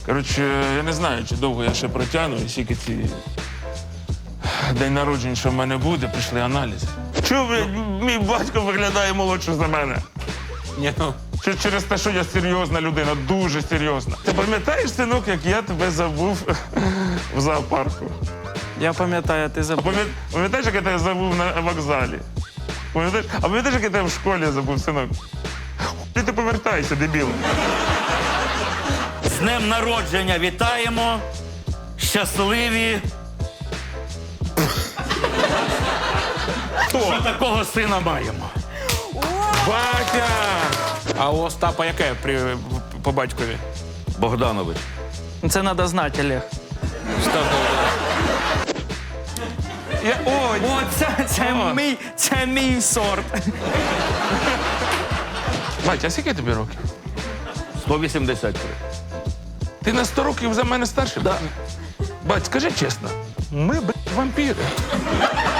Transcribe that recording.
Коротше, я не знаю, чи довго я ще протягну, і скільки ці день народження, що в мене буде, прийшли аналізи. Чого, блядь, мій батько виглядає молодше за мене? Ні, ну. Чи через те, що я серйозна людина, дуже серйозна. Ти пам'ятаєш, синок, як я тебе забув в зоопарку? Я пам'ятаю, ти А забув. пам'ятаєш, як я тебе забув на вокзалі? Пам'ятаєш? А пам'ятаєш, як я тебе в школі забув, синок? Ти повертайся, дебіл. З днем народження вітаємо. Щасливі. Що такого сина маємо? Батя! А у Остапа яке по батькові? Богданович. Це треба знати, Олег. О, це мій сорт. Батя, а скільки тобі років? 183. Ти на 100 років за мене старший? Да. Бать, скажи чесно, ми, вампіри.